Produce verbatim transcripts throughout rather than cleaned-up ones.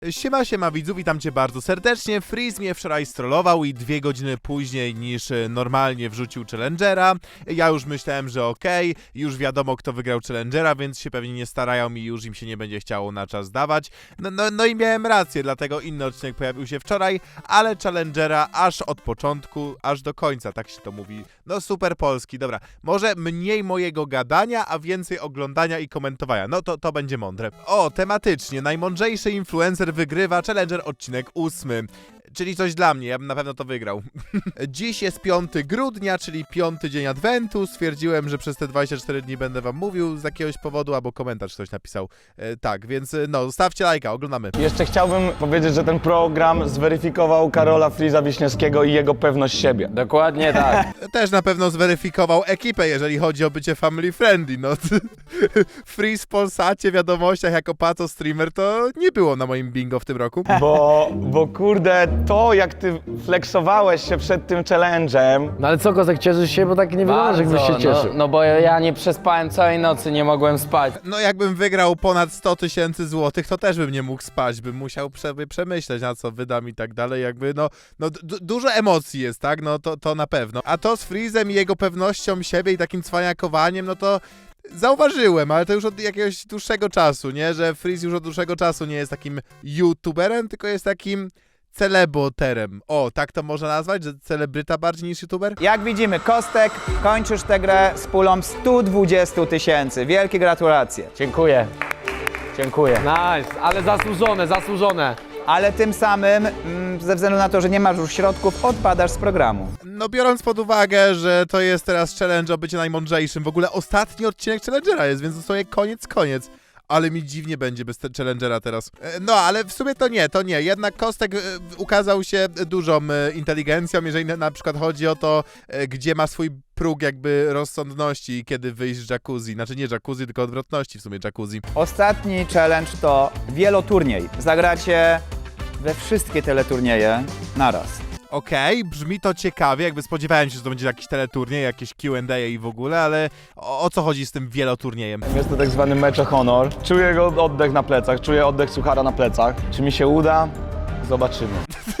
Siema, siema widzów, witam cię bardzo serdecznie. Freeze mnie wczoraj strollował i dwie godziny później niż normalnie wrzucił Challengera. Ja już myślałem, że okej, okay, już wiadomo kto wygrał Challengera, więc się pewnie nie starają i już im się nie będzie chciało na czas dawać. No, no, no i miałem rację, dlatego inny odcinek pojawił się wczoraj, ale Challengera aż od początku, aż do końca, tak się to mówi. No super polski, dobra. Może mniej mojego gadania, a więcej oglądania i komentowania. No to, to będzie mądre. O, tematycznie, najmądrzejszy influencer wygrywa Challenger odcinek ósmy. Czyli coś dla mnie, ja bym na pewno to wygrał. Dziś jest piątego grudnia, czyli piąty dzień Adwentu. Stwierdziłem, że przez te dwadzieścia cztery dni będę wam mówił z jakiegoś powodu, albo komentarz ktoś napisał. E, tak, więc no, zostawcie lajka, oglądamy. Jeszcze chciałbym powiedzieć, że ten program zweryfikował Karola Freeza Wiśniewskiego i jego pewność siebie. Dokładnie tak. Też na pewno zweryfikował ekipę, jeżeli chodzi o bycie family friendly. No, Freeze w Polsacie, wiadomościach jako paco streamer to nie było na moim bingo w tym roku. Bo, bo kurde, to jak ty flexowałeś się przed tym challenge'em. No ale co, Kozek, cieszysz się? Bo tak nie wygląda, że jakbyś się cieszył. No, no bo ja nie przespałem całej nocy, nie mogłem spać. No jakbym wygrał ponad sto tysięcy złotych, to też bym nie mógł spać, bym musiał prze przemyśleć, na co wydam i tak dalej, jakby no, no dużo emocji jest, tak, no to, to na pewno. A to z Freezem i jego pewnością siebie i takim cwaniakowaniem, no to zauważyłem, ale to już od jakiegoś dłuższego czasu, nie, że Freeze już od dłuższego czasu nie jest takim youtuberem, tylko jest takim celeboterem. O, tak to można nazwać, że celebryta bardziej niż youtuber? Jak widzimy, Kostek, kończysz tę grę z pulą stu dwudziestu tysięcy. Wielkie gratulacje. Dziękuję. Dziękuję. Nice, ale zasłużone, zasłużone. Ale tym samym, mm, ze względu na to, że nie masz już środków, odpadasz z programu. No biorąc pod uwagę, że to jest teraz challenge o bycie najmądrzejszym, w ogóle ostatni odcinek Challengera jest, więc dosłownie koniec, koniec. Ale mi dziwnie będzie bez Challengera teraz. No, ale w sumie to nie, to nie. Jednak Kostek ukazał się dużą inteligencją, jeżeli na przykład chodzi o to, gdzie ma swój próg jakby rozsądności i kiedy wyjść z jacuzzi. Znaczy nie jacuzzi, tylko odwrotności w sumie jacuzzi. Ostatni challenge to wieloturniej. Zagracie we wszystkie teleturnieje naraz. Okej, okay, brzmi to ciekawie, jakby spodziewałem się, że to będzie jakiś teleturniej, jakieś Q and A i w ogóle, ale o, o co chodzi z tym wieloturniejem? Jest to tak zwany mecz o honor. Czuję jego oddech na plecach, czuję oddech suchara na plecach. Czy mi się uda? Zobaczymy.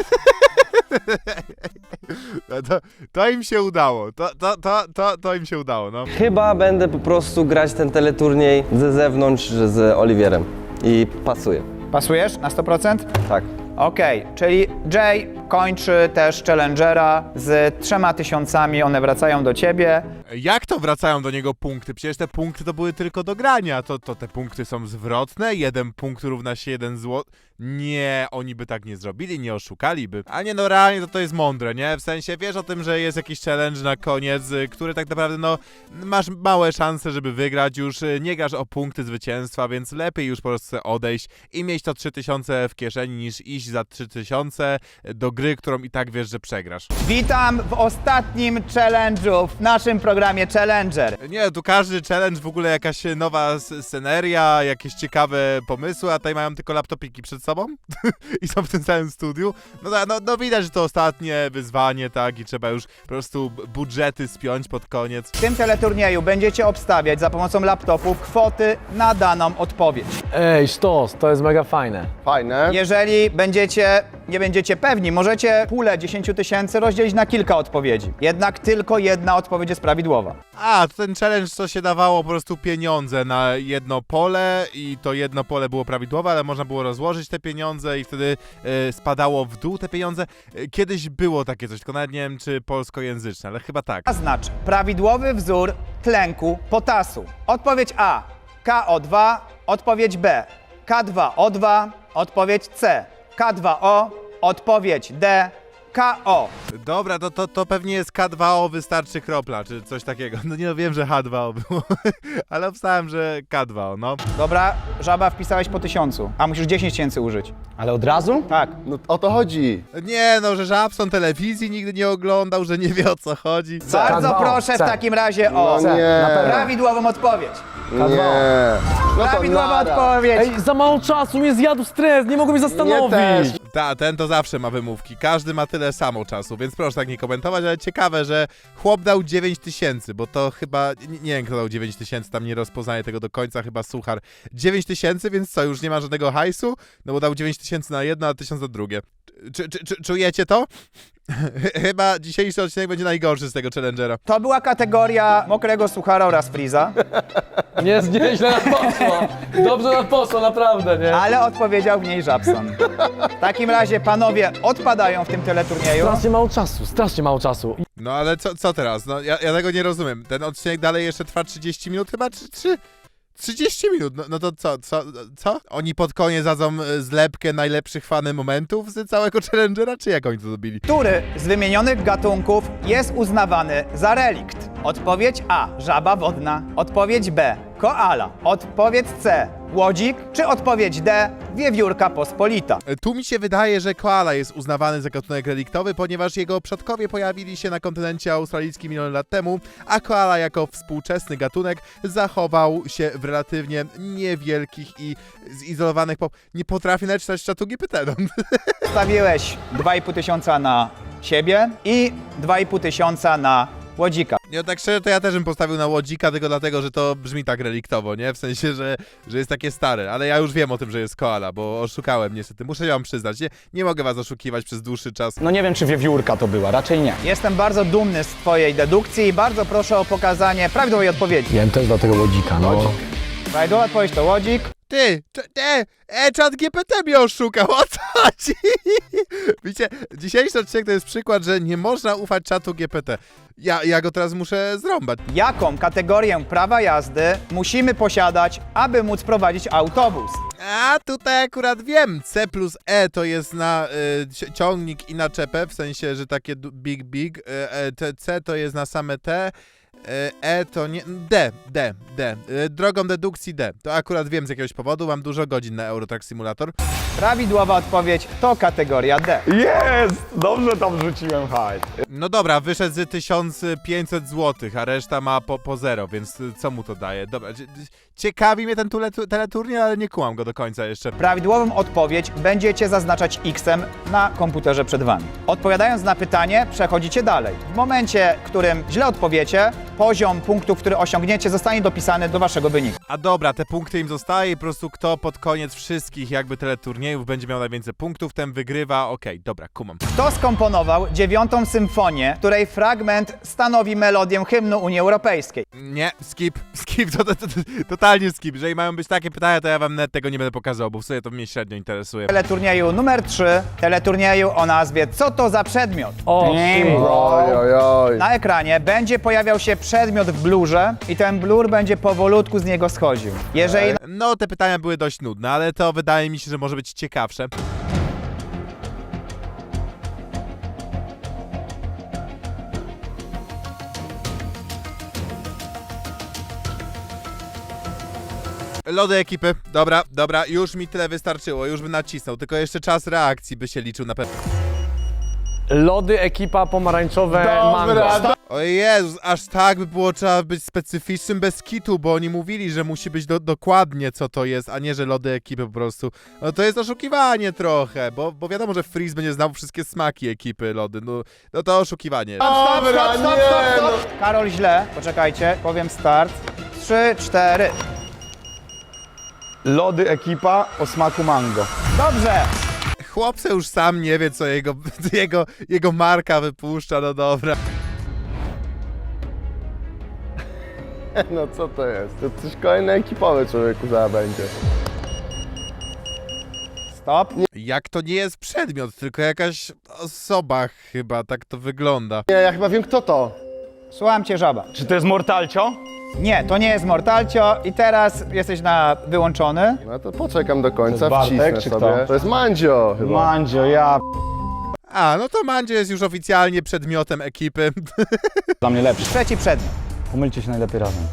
No to, to im się udało, to, to, to, to, to im się udało, no. Chyba będę po prostu grać ten teleturniej ze zewnątrz z Oliwierem i pasuje. Pasujesz na sto procent? Tak. Okej, okay, czyli Jay kończy też Challengera z trzema tysiącami, one wracają do ciebie. Jak to wracają do niego punkty? Przecież te punkty to były tylko do grania, to, to te punkty są zwrotne, jeden punkt równa się jeden złot. Nie, oni by tak nie zrobili, nie oszukaliby. A nie, no realnie to to jest mądre, nie? W sensie wiesz o tym, że jest jakiś challenge na koniec, który tak naprawdę, no, masz małe szanse, żeby wygrać, już nie grasz o punkty zwycięstwa, więc lepiej już po prostu odejść i mieć to trzy tysiące w kieszeni, niż iść za trzy tysiące do gry, którą i tak wiesz, że przegrasz. Witam w ostatnim challenge'u w naszym programie Challenger. Nie, tu każdy challenge, w ogóle jakaś nowa sceneria, jakieś ciekawe pomysły, a tutaj mają tylko laptopiki przed sobą i są w tym samym studiu. No, no, no widać, że to ostatnie wyzwanie, tak, i trzeba już po prostu budżety spiąć pod koniec. W tym teleturnieju będziecie obstawiać za pomocą laptopu kwoty na daną odpowiedź. Ej, sztos, to jest mega fajne. Fajne. Jeżeli będziecie, nie będziecie pewni, możecie pulę dziesięć tysięcy rozdzielić na kilka odpowiedzi. Jednak tylko jedna odpowiedź jest prawidłowa. A, to ten challenge, co się dawało po prostu pieniądze na jedno pole i to jedno pole było prawidłowe, ale można było rozłożyć te pieniądze i wtedy y, spadało w dół te pieniądze. Y, kiedyś było takie coś, tylko nawet nie wiem, czy polskojęzyczne, ale chyba tak. A znaczy, prawidłowy wzór tlenku potasu. Odpowiedź A, K O dwa, odpowiedź B, K dwa O dwa, odpowiedź C, K dwa O, odpowiedź D, K O. Dobra, to, to, to pewnie jest K dwa O, wystarczy kropla, czy coś takiego. No nie no, wiem, że H dwa O było, ale obstałem, że K dwa O, no. Dobra, Żaba, wpisałeś po tysiącu, a musisz dziesięć tysięcy użyć. Ale od razu? Tak. No o to chodzi. Nie no, że Żabson telewizji nigdy nie oglądał, że nie wie o co chodzi. Bardzo K dwa O, proszę w C. takim razie o No nie. prawidłową odpowiedź. Nie. No to Prawidłowa nara. odpowiedź. Ej, za mało czasu, mnie zjadł stres, nie mogę mnie Nie zastanowić. też. Ta, ten to zawsze ma wymówki. Każdy ma tyle samo czasu, więc proszę tak nie komentować, ale ciekawe, że chłop dał dziewięć tysięcy, bo to chyba, nie, nie wiem kto dał dziewięć tysięcy, tam nie rozpoznaję tego do końca, chyba Suchar. dziewięć tysięcy, więc co, już nie ma żadnego hajsu? No bo dał dziewięć tysięcy na jedno, a tysiąc na drugie. Czy, czy, czy, czujecie to? Chyba dzisiejszy odcinek będzie najgorszy z tego Challengera. To była kategoria mokrego suchara oraz Freeza, Nie, nieźle nam poszło. Dobrze nam poszło, naprawdę, nie? ale odpowiedział w niej Żabson. W takim razie panowie odpadają w tym teleturnieju. Strasznie mało czasu, strasznie mało czasu. No ale co, co teraz? No ja, ja tego nie rozumiem. Ten odcinek dalej jeszcze trwa trzydzieści minut chyba, czy... czy... trzydzieści minut, no, no to co, co, co? Oni pod koniec dadzą e, zlepkę najlepszych fany momentów z całego Challengera, czy jak oni to zrobili? Który z wymienionych gatunków jest uznawany za relikt? Odpowiedź A. Żaba wodna. Odpowiedź B. Koala. Odpowiedź C. Łodzik. Czy odpowiedź D. Wiewiórka pospolita? E, Tu mi się wydaje, że koala jest uznawany za gatunek reliktowy, ponieważ jego przodkowie pojawili się na kontynencie australijskim milion lat temu, a koala jako współczesny gatunek zachował się w relatywnie niewielkich i zizolowanych... Po... Nie potrafię nawet czytać czatu G P T, no. Stawiłeś dwa i pół tysiąca na siebie i dwa i pół tysiąca na Łodzika. Ja tak szczerze, to ja też bym postawił na Łodzika, tylko dlatego, że to brzmi tak reliktowo, nie? W sensie, że, że jest takie stare, ale ja już wiem o tym, że jest koala, bo oszukałem niestety, muszę wam przyznać, nie, nie mogę was oszukiwać przez dłuższy czas. No nie wiem, czy wiewiórka to była, raczej nie. Jestem bardzo dumny z twojej dedukcji i bardzo proszę o pokazanie prawidłowej odpowiedzi. Ja też dla tego łodzika, no. Prawidłowa odpowiedź to Łodzik. Ty, cze- te, e, czat G P T mnie oszukał, o co chodzi? Widzicie, dzisiejszy odcinek to jest przykład, że nie można ufać czatu G P T. Ja, ja go teraz muszę zrąbać. Jaką kategorię prawa jazdy musimy posiadać, aby móc prowadzić autobus? A tutaj akurat wiem, C plus E to jest na y, ci- ciągnik i naczepę, w sensie, że takie du- big big, y, e, te C to jest na same T, y, E to nie, D, D, D, y, drogą dedukcji D. To akurat wiem z jakiegoś powodu, mam dużo godzin na Eurotrack Simulator. Prawidłowa odpowiedź to kategoria D. Jest! Dobrze tam wrzuciłem hajs. No dobra, wyszedł z tysiąc pięćset złotych, a reszta ma po, po zero, więc y, co mu to daje? Dobra, cie- ciekawi mnie ten tule- teleturniej, ale nie kułam go do końca jeszcze. Prawidłową odpowiedź będziecie zaznaczać X-em na komputerze przed wami. Odpowiadając na pytanie, przechodzicie dalej. W momencie, w którym źle odpowiecie, poziom punktów, który osiągniecie, zostanie dopisany do waszego wyniku. A dobra, te punkty im zostaje i po prostu kto pod koniec wszystkich jakby teleturniejów będzie miał najwięcej punktów, ten wygrywa. Okej, dobra, kumam. Kto skomponował dziewiątą symfonię, której fragment stanowi melodię hymnu Unii Europejskiej? Nie, skip, skip, to, to, to, to totalnie skip. Jeżeli mają być takie pytania, to ja wam nawet tego nie będę pokazał, bo w sumie to mnie średnio interesuje. Teleturnieju numer trzy, teleturnieju o nazwie Co to za przedmiot? O, Oj, oj, oj. Na ekranie będzie pojawiał się przedmiot w blurze i ten blur będzie powolutku z niego schodził. Jeżeli No, te pytania były dość nudne, ale to wydaje mi się, że może być ciekawsze. Lody ekipy, dobra, dobra, już mi tyle wystarczyło, już bym nacisnął, tylko jeszcze czas reakcji by się liczył na pewno. lody, ekipa, pomarańczowe, mango. Dobra, O Jezus, aż tak by było trzeba być specyficznym bez kitu, bo oni mówili, że musi być do, dokładnie co to jest, a nie, że lody ekipy po prostu. No to jest oszukiwanie trochę, bo, bo wiadomo, że Freeze będzie znał wszystkie smaki ekipy lody, no, no to oszukiwanie. Dobra, nie, no. Karol źle, poczekajcie, powiem start. Trzy, cztery. Lody ekipa o smaku mango. Dobrze! Chłopce już sam nie wie, co jego, jego, jego marka wypuszcza, no dobra. No co to jest? To coś kolejne ekipowe człowieku zaraz będzie. Stop. Jak to nie jest przedmiot, tylko jakaś osoba chyba, tak to wygląda. Nie, ja chyba wiem kto to. Słucham cię, żaba. Czy to jest mortalcio? Nie, to nie jest Mortalcio i teraz jesteś na wyłączony. No to poczekam do końca, To jest Bartek, wcisnę czy sobie. kto? To jest Mandzio chyba. Mandzio, ja A, no to Mandzio jest już oficjalnie przedmiotem ekipy. dla mnie lepszy. Trzeci przedmiot. Pomylcie się najlepiej razem.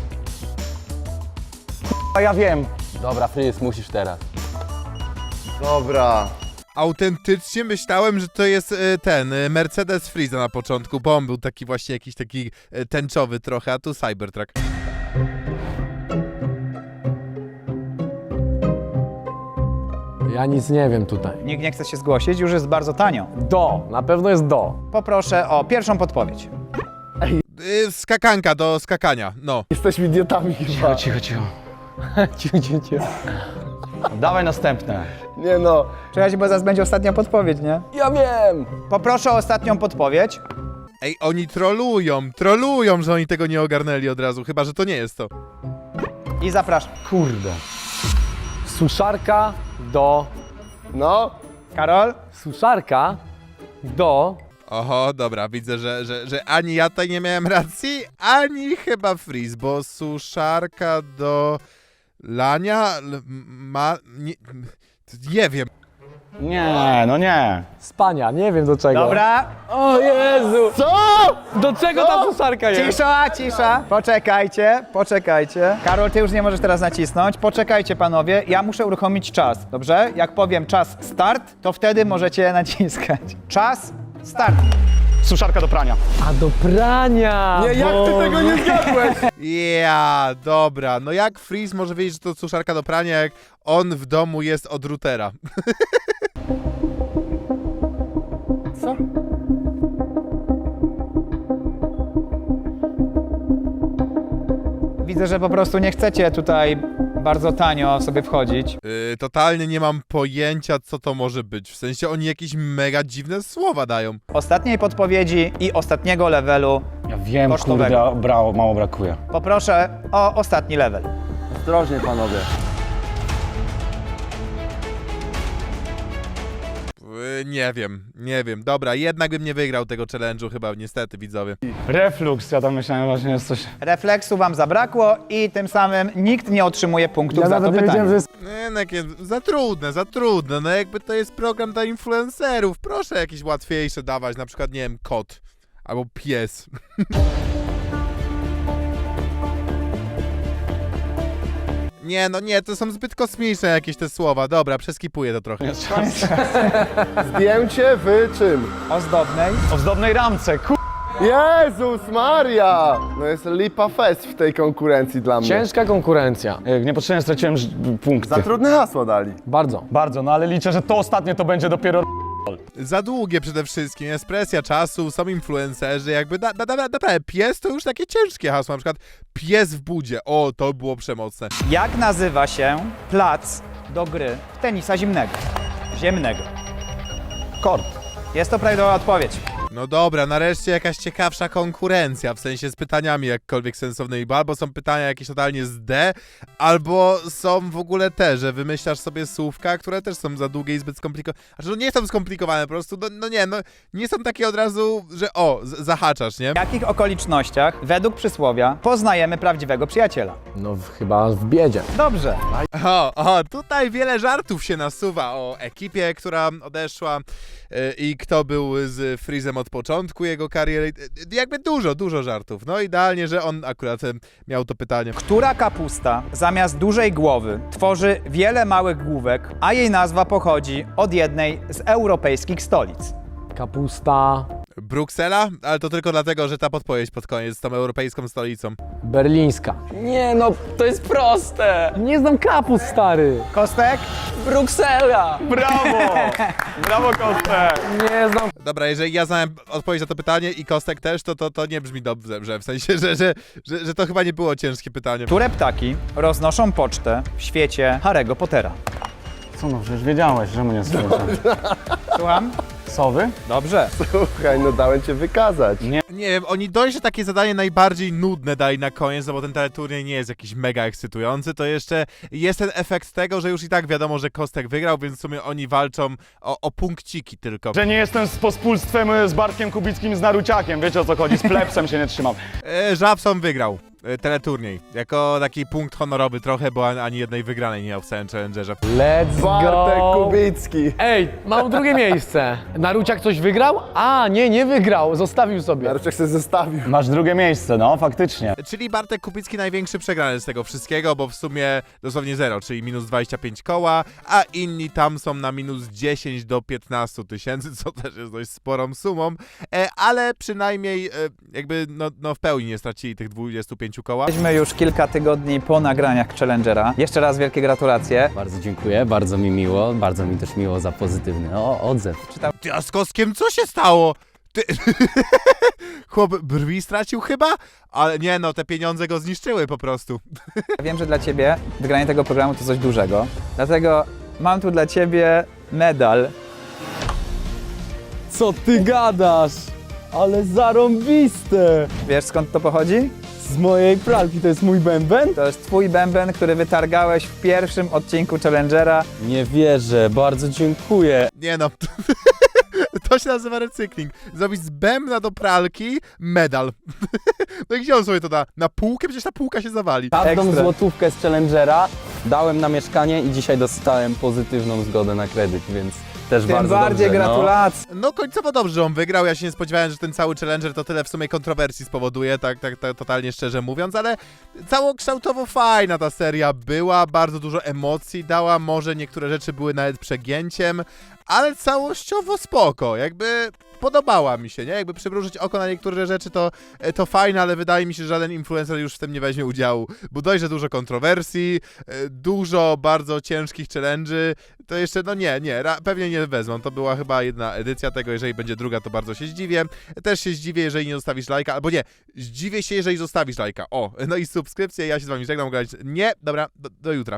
A ja wiem. Dobra, Freeze, musisz teraz. Dobra. Autentycznie myślałem, że to jest e, ten e, Mercedes Freeza na początku, bo on był taki właśnie jakiś taki e, tęczowy trochę, a tu Cybertruck. Ja nic nie wiem tutaj. Nikt nie chce się zgłosić, już jest bardzo tanio. Do, na pewno jest do. Poproszę o pierwszą podpowiedź. Y, skakanka do skakania, no. Jesteśmy idiotami chyba. Cicho, cicho. cicho, cicho, cicho. Dawaj następne. Nie no. Czekajcie, bo zaraz będzie ostatnia podpowiedź, nie? Ja wiem. Poproszę o ostatnią podpowiedź. Ej, oni trolują, trolują, że oni tego nie ogarnęli od razu, chyba że to nie jest to. I zapraszam. Kurde. Suszarka do... No. Karol? Suszarka do... Oho, dobra, widzę, że, że, że ani ja tutaj nie miałem racji, ani chyba Freeze, bo suszarka do lania l- ma... Nie, nie wiem. Nie, no nie. Spania, nie wiem do czego. Dobra. O Jezu! Co? Do czego ta suszarka jest? Cisza, cisza. Poczekajcie, poczekajcie. Karol, ty już nie możesz teraz nacisnąć. Poczekajcie, panowie. Ja muszę uruchomić czas, dobrze? Jak powiem czas start, to wtedy możecie naciskać. Czas start. Suszarka do prania. A do prania! Nie, jak ty tego nie zgadłeś? Ja, dobra, no jak Freeze może wiedzieć, że to suszarka do prania, jak on w domu jest od routera? Co? Widzę, że po prostu nie chcecie tutaj bardzo tanio sobie wchodzić. Yy, totalnie nie mam pojęcia, co to może być. W sensie oni jakieś mega dziwne słowa dają. Ostatniej podpowiedzi i ostatniego levelu Ja wiem, Kosztowego. kurde, brało, mało brakuje. poproszę o ostatni level. Ostrożnie, panowie. Yy, nie wiem, nie wiem. Dobra, jednak bym nie wygrał tego challenge'u chyba, niestety, widzowie. Reflux, ja tam myślałem właśnie jest coś... Refleksu wam zabrakło i tym samym nikt nie otrzymuje punktów Ja za to nawet nie pytanie. wiedziałem, że jest... Nie, no jakie, za trudne, za trudne. No jakby to jest program dla influencerów. Proszę jakieś łatwiejsze dawać, na przykład, nie wiem, kot. Albo pies. Nie, no nie, to są zbyt kosmiczne jakieś te słowa. Dobra, przeskipuję to trochę. Zdjęcie w czym? Ozdobnej. O zdobnej ramce, ku... Jezus Maria! No jest lipa fest w tej konkurencji dla mnie. Ciężka konkurencja. Jak Niepotrzebnie straciłem ż- punkty. Za trudne hasło dali. Bardzo. Bardzo, no ale liczę, że to ostatnie to będzie dopiero... Za długie przede wszystkim, jest presja czasu, są influencerzy, jakby da, da, da, naprawdę, pies to już takie ciężkie hasło, na przykład pies w budzie, o, to było przemocne. Jak nazywa się plac do gry w tenisa zimnego? Ziemnego. Kord. Jest to prawidłowa odpowiedź. No dobra, nareszcie jakaś ciekawsza konkurencja, w sensie z pytaniami jakkolwiek sensownymi, bo albo są pytania jakieś totalnie z D, albo są w ogóle te, że wymyślasz sobie słówka, które też są za długie i zbyt skomplikowane. Znaczy, no nie są skomplikowane, po prostu, no, no nie, no nie są takie od razu, że o, z- zahaczasz, nie? W jakich okolicznościach, według przysłowia, poznajemy prawdziwego przyjaciela? No w, chyba w biedzie. Dobrze. O, o, tutaj wiele żartów się nasuwa o ekipie, która odeszła yy, i kto był z Freezem od początku jego kariery. Yy, jakby dużo, dużo żartów. No idealnie, że on akurat yy, miał to pytanie. Która kapusta zamiast dużej głowy tworzy wiele małych główek, a jej nazwa pochodzi od jednej z europejskich stolic? Kapusta... Bruksela? Ale to tylko dlatego, że ta podpowiedź pod koniec z tą europejską stolicą. Berlińska. Nie no, to jest proste. Nie znam kapust, stary. Kostek? Bruksela. Brawo! Brawo, Kostek! Nie znam... Dobra, jeżeli ja znałem odpowiedź na to pytanie i Kostek też, to to, to nie brzmi dobrze, że w sensie, że, że, że, że to chyba nie było ciężkie pytanie. Które ptaki roznoszą pocztę w świecie Harry'ego Pottera? Co no, przecież wiedziałeś, że mnie słyszę. Słucham? Sowy? Dobrze. Słuchaj, no dałem cię wykazać. Nie. Nie wiem, oni dość, że takie zadanie najbardziej nudne dali na koniec, no bo ten teleturniej nie jest jakiś mega ekscytujący, to jeszcze jest ten efekt tego, że już i tak wiadomo, że Kostek wygrał, więc w sumie oni walczą o, o punkciki tylko. Że nie jestem z pospólstwem z Bartkiem Kubickim z Naruciakiem, wiecie o co chodzi, z plebsem się nie trzymam. E, Żabson wygrał e, teleturniej, jako taki punkt honorowy trochę, bo ani, ani jednej wygranej nie miał w całym challengerze. Let's Bartek go! Kubicki. Ej, mam drugie miejsce. Naruciak coś wygrał? A, nie, nie wygrał. Zostawił sobie. Naruczek się zostawił. Masz drugie miejsce, no, faktycznie. Czyli Bartek Kubicki największy przegrany z tego wszystkiego, bo w sumie dosłownie zero, czyli minus dwadzieścia pięć koła, a inni tam są na minus dziesięć do piętnastu tysięcy, co też jest dość sporą sumą, e, ale przynajmniej e, jakby no, no w pełni nie stracili tych dwudziestu pięciu pięciu kołach. Jesteśmy już kilka tygodni po nagraniach Challengera. Jeszcze raz wielkie gratulacje. Bardzo dziękuję, bardzo mi miło, bardzo mi też miło za pozytywny o, odzew. Ty, a z Koskiem co się stało? Ty... Chłop brwi stracił chyba? Ale nie no, te pieniądze go zniszczyły po prostu. Wiem, że dla ciebie wygranie tego programu to coś dużego. Dlatego mam tu dla ciebie medal. Co ty gadasz? Ale zarąbiste! Wiesz skąd to pochodzi? Z mojej pralki to jest mój bęben? To jest twój bęben, który wytargałeś w pierwszym odcinku Challengera. Nie wierzę, bardzo dziękuję. Nie no, to się nazywa recykling. Zrobić z bębna do pralki medal. No i gdzie on sobie to da? Na półkę? Przecież ta półka się zawali. Każdą Ekstra. złotówkę z Challengera dałem na mieszkanie i dzisiaj dostałem pozytywną zgodę na kredyt, więc też Tym bardzo bardziej dobrze, gratulacje. No końcowo dobrze, że on wygrał. Ja się nie spodziewałem, że ten cały Challenger to tyle w sumie kontrowersji spowoduje, tak, tak, tak totalnie szczerze mówiąc, ale całokształtowo fajna ta seria była, bardzo dużo emocji dała, może niektóre rzeczy były nawet przegięciem, ale całościowo spoko, jakby podobała mi się, nie? Jakby przymrużyć oko na niektóre rzeczy to, to fajne, ale wydaje mi się, że żaden influencer już w tym nie weźmie udziału, bo dość, że dużo kontrowersji, dużo bardzo ciężkich challenge'y, to jeszcze, no nie, nie, ra, pewnie nie wezmą, to była chyba jedna edycja tego, jeżeli będzie druga, to bardzo się zdziwię, też się zdziwię, jeżeli nie zostawisz lajka, albo nie, zdziwię się, jeżeli zostawisz lajka, o, no i subskrypcję, ja się z wami żegnam, nie, dobra, do, do jutra.